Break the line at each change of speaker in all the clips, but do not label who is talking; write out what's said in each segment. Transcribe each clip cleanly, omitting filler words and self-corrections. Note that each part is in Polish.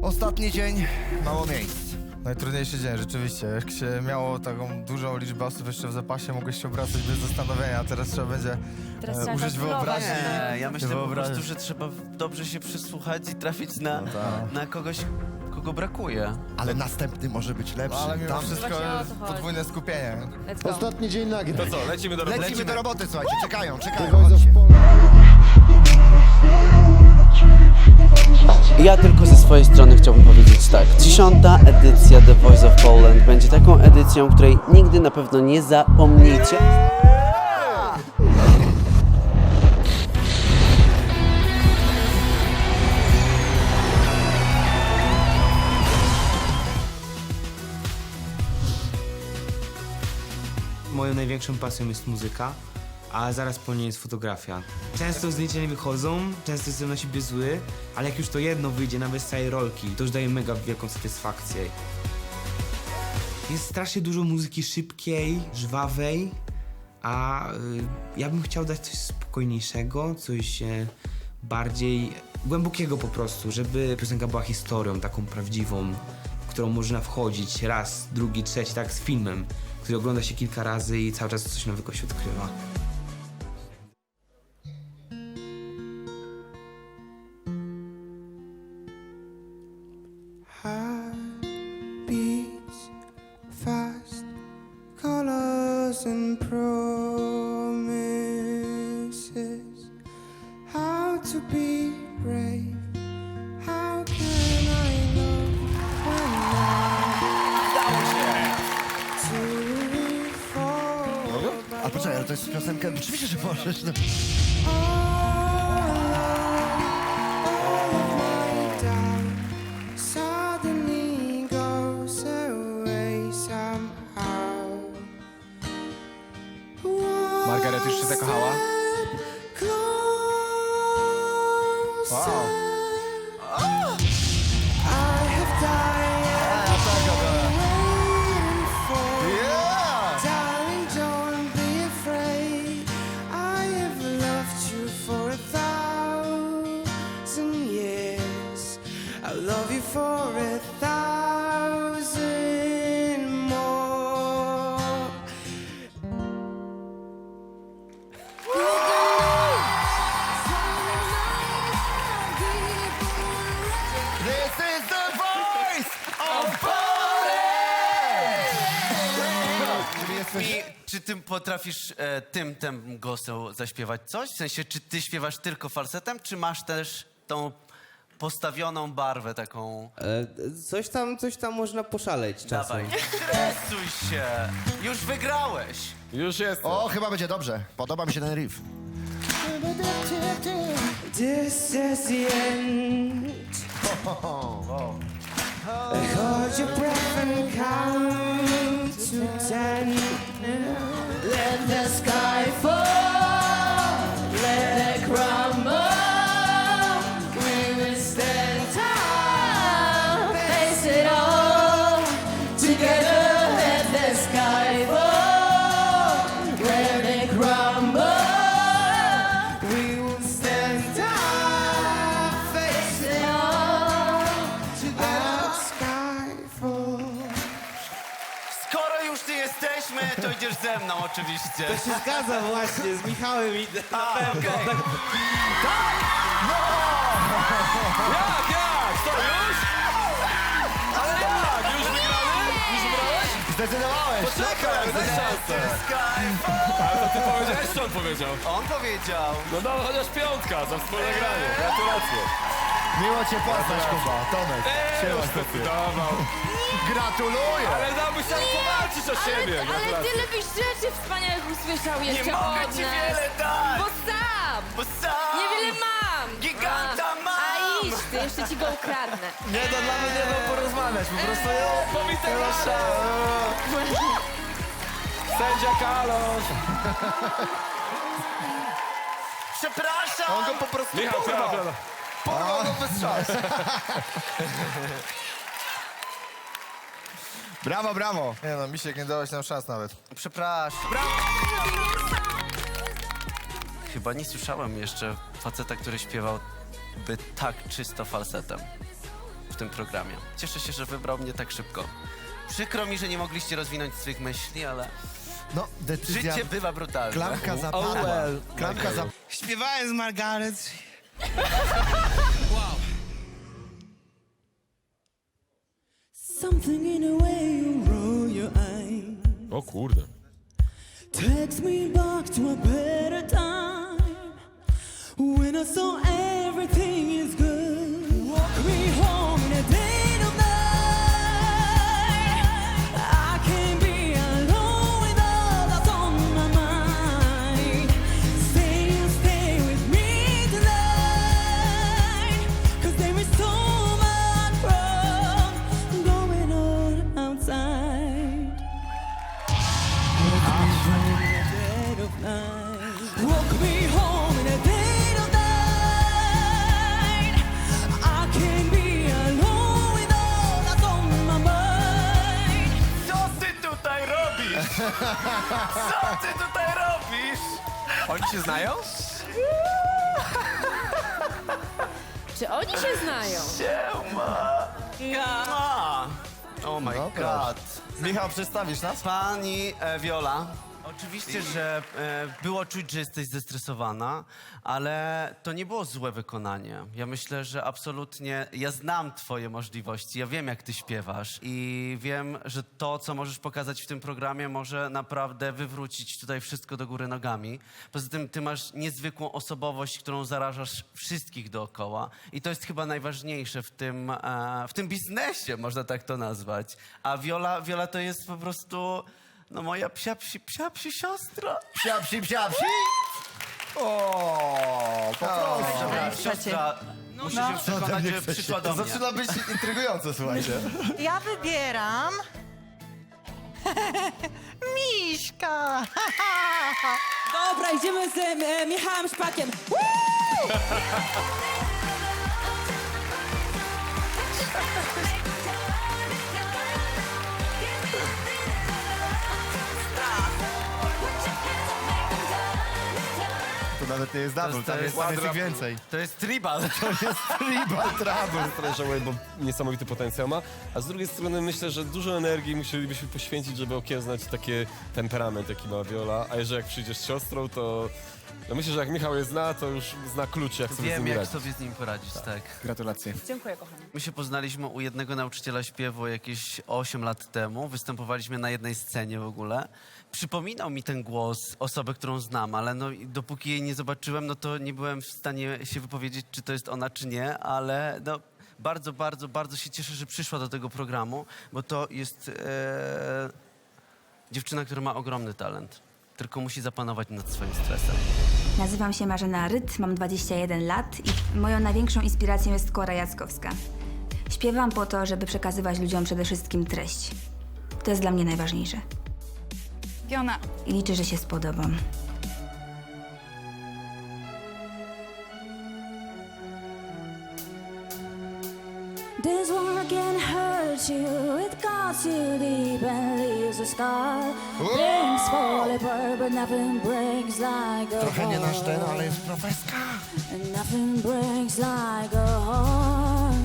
Ostatni dzień, mało miejsc.
Najtrudniejszy dzień, rzeczywiście. Jak się miało taką dużą liczbę osób jeszcze w zapasie, mogłeś się obracać bez zastanowienia, a teraz trzeba będzie
Teraz trzeba
użyć
kalkulować.
wyobraźni.
Nie, ja myślę po
Wyobraź.
prostu, że trzeba dobrze się przysłuchać i trafić na,
tak.
na kogoś, kogo brakuje.
Ale następny może być lepszy.
No, ale mimo
Tam
wszystko
Właśnie o to chodzi.
podwójne skupienie.
Let's go.
Ostatni dzień nagrań.
To co, lecimy do roboty?
lecimy do roboty, słuchajcie, czekają,
The
chodźcie.
Voice of Poland.
Ja tylko ze swojej strony chciałbym powiedzieć tak. 10. edycja The Voice of Poland będzie taką edycją, której nigdy na pewno nie zapomnicie.
Moją największą pasją jest muzyka, a zaraz po niej jest fotografia. Często zdjęcia nie wychodzą, często jestem na siebie zły, ale jak już to jedno wyjdzie, nawet z całej rolki, to już daje mega wielką satysfakcję. Jest strasznie dużo muzyki szybkiej, żwawej, a ja bym chciał dać coś spokojniejszego, coś bardziej głębokiego po prostu, żeby piosenka była historią taką prawdziwą, w którą można wchodzić raz, drugi, trzeci, tak z filmem, który ogląda się kilka razy i cały czas coś nowego się odkrywa.
Beats fast, colors and promises. How to be brave? How can I love when to fall?
A poczekaj, ale to jest piosenka, oczywiście, że możesz. No.
All of my doubt suddenly goes away somehow.
Margaret już się zakochała? Wow.
I have died waiting for.
Yeah!
Darling, don't be afraid. I have loved you for 1,000 years. I'll love you for 1,000 more.
This is the voice of Poland! Czyli jesteś...
Czy ty potrafisz tym głosem zaśpiewać coś? W sensie, czy ty śpiewasz tylko falsetem, czy masz też tą postawioną barwę taką?
Coś tam można poszaleć czasem.
Dawaj, stresuj się! Już wygrałeś!
Już jest.
O, chyba będzie dobrze. Podoba mi się ten riff.
This is the end. Hold your breath and count to 10. Let the sky fall, let it crumble. We will stand tall, face it all together. Let the sky fall, let it crumble. We will stand tall, face it all together. Sky fall.
Skoro już tu jesteśmy, to idziesz ze mną oczywiście.
To się zgadza właśnie, z Michałem idę.
Okej.
Jak? Co, już? Ale jak? Już wygrany? Już wygrałeś?
Zdecydowałeś!
Poczekaj, daj szansę. Ale to ty powiedziałeś, czy on powiedział?
On powiedział.
No dobra, chociaż piątka za wspólne granie. Gratulacje.
Miło cię poznać, Kuba. Tomek.
Już zdecydował.
Gratuluję!
Ale dałbyś tam powalczyć o siebie.
Ale
Gratulacje.
tyle byś rzeczy wspaniałych usłyszał
Nie
jeszcze
mogę
od
ci
nas.
wiele dać,
Bo sam!
bo sam
Niewiele mam!
giganta mam.
A idź ty, jeszcze ci go ukradnę.
Nie da dla mnie nie da porozmawiać, po prostu
Pobite Sędzia Kalosz.
Przepraszam.
On go po prostu
Michał,
porwał.
prawda.
Porwał go bez szans. Brawo, brawo. Nie no, Misiek, nie dałeś nam szans nawet.
Przepraszam. Chyba nie słyszałem jeszcze faceta, który śpiewał by tak czysto falsetem. tym programie. Cieszę się, że wybrał mnie tak szybko. Przykro mi, że nie mogliście rozwinąć swych myśli, ale
No, decyzja...
życie bywa brutalne.
Klamka zapadła. Klamka za...
Śpiewałem z Margaret.
Something in the way you roll your eyes
O kurde.
takes me back to a better time when I saw everything is good. Walk me home in a day of night. I can't be alone with all that's on my mind. Stay with me tonight, 'cause there is so much wrong going on outside. Walk me home in a dead of night. I can't be alone with all that's on my mind.
Co ty tutaj robisz? Co ty tutaj robisz?
Oni się znają?
Czy oni się znają?
Oh my
No,
god.
Michał, przedstawisz nas?
Pani Viola, oczywiście, że było czuć, że jesteś zestresowana, ale to nie było złe wykonanie. Ja myślę, że absolutnie, ja znam twoje możliwości, ja wiem, jak ty śpiewasz i wiem, że to, co możesz pokazać w tym programie, może naprawdę wywrócić tutaj wszystko do góry nogami. Poza tym ty masz niezwykłą osobowość, którą zarażasz wszystkich dookoła i to jest chyba najważniejsze w tym biznesie, można tak to nazwać. A Viola to jest po prostu... No moja psia psi siostra.
Psia psi, psia psi!
O, po prostu.
Siostra, musi się przekonać, że przyszła do
To
mnie.
zaczyna być intrygujące, słuchajcie.
Ja wybieram... Miśka!
Dobra, idziemy z Michałem Szpakiem.
To nawet nie jest double, tam jest ich więcej.
To jest tribal.
Tribal trouble.
Trochę żałuję, bo niesamowity potencjał ma. A z drugiej strony myślę, że dużo energii musielibyśmy poświęcić, żeby okiełznać taki temperament, jaki ma Viola. A jeżeli jak przyjdziesz z siostrą, to... No myślę, że jak Michał je zna, to już zna klucze, jak sobie z
Wiem,
nim
jak
radzić.
sobie z nim poradzić, tak.
Gratulacje.
Dziękuję, kochani.
My się poznaliśmy u jednego nauczyciela śpiewu jakieś 8 lat temu. Występowaliśmy na jednej scenie w ogóle. Przypominał mi ten głos osoby, którą znam, ale no, dopóki jej nie zobaczyłem, no to nie byłem w stanie się wypowiedzieć, czy to jest ona, czy nie, ale no, bardzo się cieszę, że przyszła do tego programu, bo to jest dziewczyna, która ma ogromny talent, tylko musi zapanować nad swoim stresem.
Nazywam się Marzena Ryt, mam 21 lat i moją największą inspiracją jest Kora Jackowska. Śpiewam po to, żeby przekazywać ludziom przede wszystkim treść. To jest dla mnie najważniejsze.
Fiona.
I liczę, że się spodobam.
This one can hurt you, it cuts you deep and leaves a scar. Things fall apart, but nothing breaks like a
Trochę nie nasz ten,
heart.
ale jest profeska.
And nothing breaks like a heart.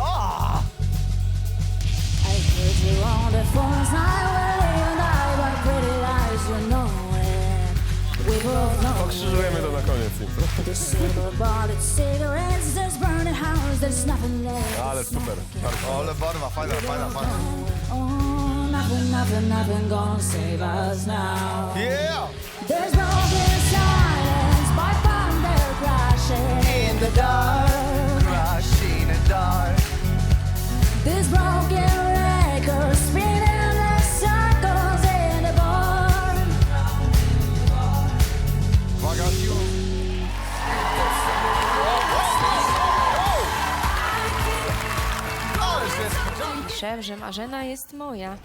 I put you on the force highway and I but pretty lies, you know it. We both know
Pokrzyżujemy to na koniec.
the silver bullet cigarettes, there's burning house, there's nothing left.
Ale super. Bardzo.
Ale barwa, fajna.
Oh, nothing gonna save us now.
Yeah!
There's broken silence, by thunder crashing in the dark.
Crashing in the dark.
This broken record spinning the circles in the barn.
Uwaga,
Piszę, że Marzena jest moja.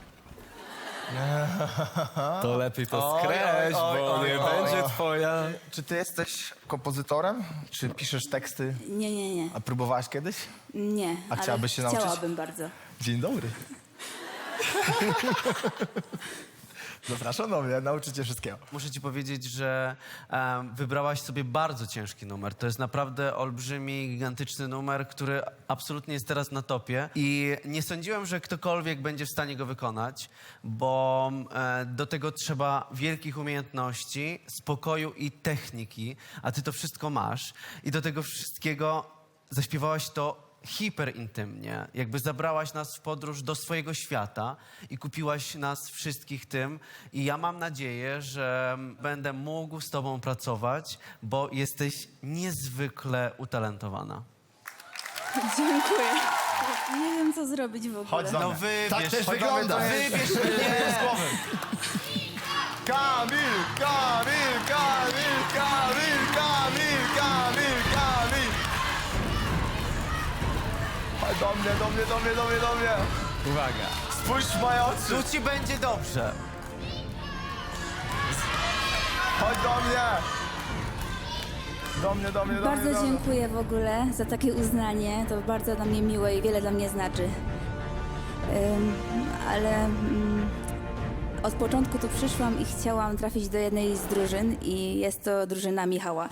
To lepiej to skreś, bo nie będzie twoja.
Czy ty jesteś kompozytorem? Czy piszesz teksty?
Nie.
A próbowałaś kiedyś?
Nie,
A chciałabyś się nauczyć?
Chciałabym bardzo.
Dzień dobry. Zapraszam do mnie, nauczycie wszystkiego.
Muszę ci powiedzieć, że wybrałaś sobie bardzo ciężki numer. To jest naprawdę olbrzymi, gigantyczny numer, który absolutnie jest teraz na topie. I nie sądziłem, że ktokolwiek będzie w stanie go wykonać, bo do tego trzeba wielkich umiejętności, spokoju i techniki, a ty to wszystko masz. I do tego wszystkiego zaśpiewałaś to hiperintymnie, jakby zabrałaś nas w podróż do swojego świata i kupiłaś nas wszystkich tym. I ja mam nadzieję, że będę mógł z tobą pracować, bo jesteś niezwykle utalentowana.
Dziękuję. Nie wiem, co zrobić w ogóle.
Chodź do
No
mnie.
wybierz,
Tak też
chodź,
wygląda.
wybierz mnie z głowy.
Kamil, Kamil, Kamil, Kamil, Kamil, Kamil, Kamil. Chodź do mnie, do mnie, do mnie, do mnie, do mnie.
Uwaga.
Spójrz w moje oczy.
Tu ci będzie dobrze.
Chodź do mnie. Do mnie, do mnie, do mnie.
Bardzo
do mnie.
dziękuję w ogóle za takie uznanie. To bardzo dla mnie miłe i wiele dla mnie znaczy. Ale od początku tu przyszłam i chciałam trafić do jednej z drużyn i jest to drużyna Michała.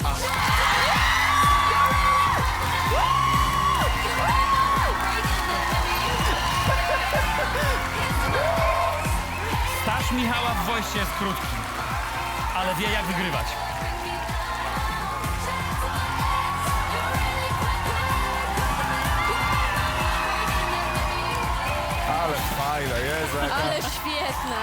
Staż Michała w Wojście jest krótki, ale wie jak wygrywać.
Ale fajna, Jezu, jaka...
Ale świetne.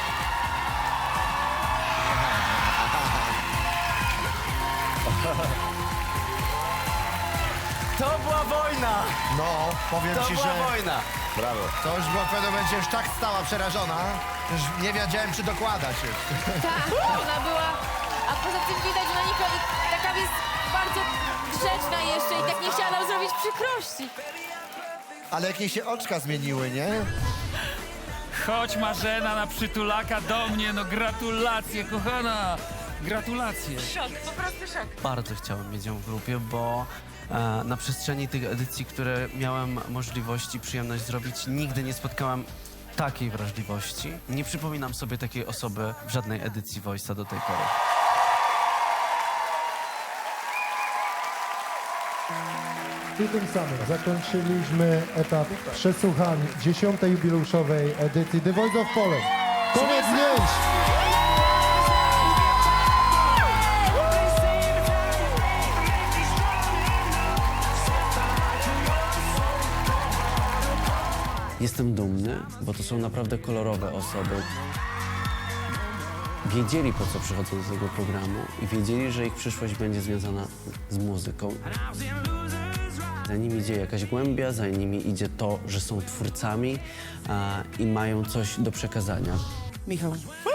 To była wojna!
No, powiem
To
ci,
była
że
wojna!
Brawo.
to już była w pewnym momencie już tak stała przerażona, że już nie wiedziałem, czy dokładać już.
Tak, ona była... A poza tym widać, że Monika taka jest bardzo grzeczna jeszcze i tak nie chciała nam zrobić przykrości.
Ale jakieś się oczka zmieniły, nie?
Chodź Marzena na przytulaka do mnie, no gratulacje kochana, gratulacje.
Bardzo chciałem mieć ją w grupie, bo na przestrzeni tych edycji, które miałem możliwość i przyjemność zrobić, nigdy nie spotkałem takiej wrażliwości. Nie przypominam sobie takiej osoby w żadnej edycji Voice'a do tej pory.
I tym samym zakończyliśmy etap przesłuchań 10. jubileuszowej edycji The Voice of Poland. Koniec zdjęć!
Jestem dumny, bo to są naprawdę kolorowe osoby. Wiedzieli, po co przychodzą do tego programu i wiedzieli, że ich przyszłość będzie związana z muzyką. Za nimi idzie jakaś głębia, za nimi idzie to, że są twórcami i mają coś do przekazania.
Michał.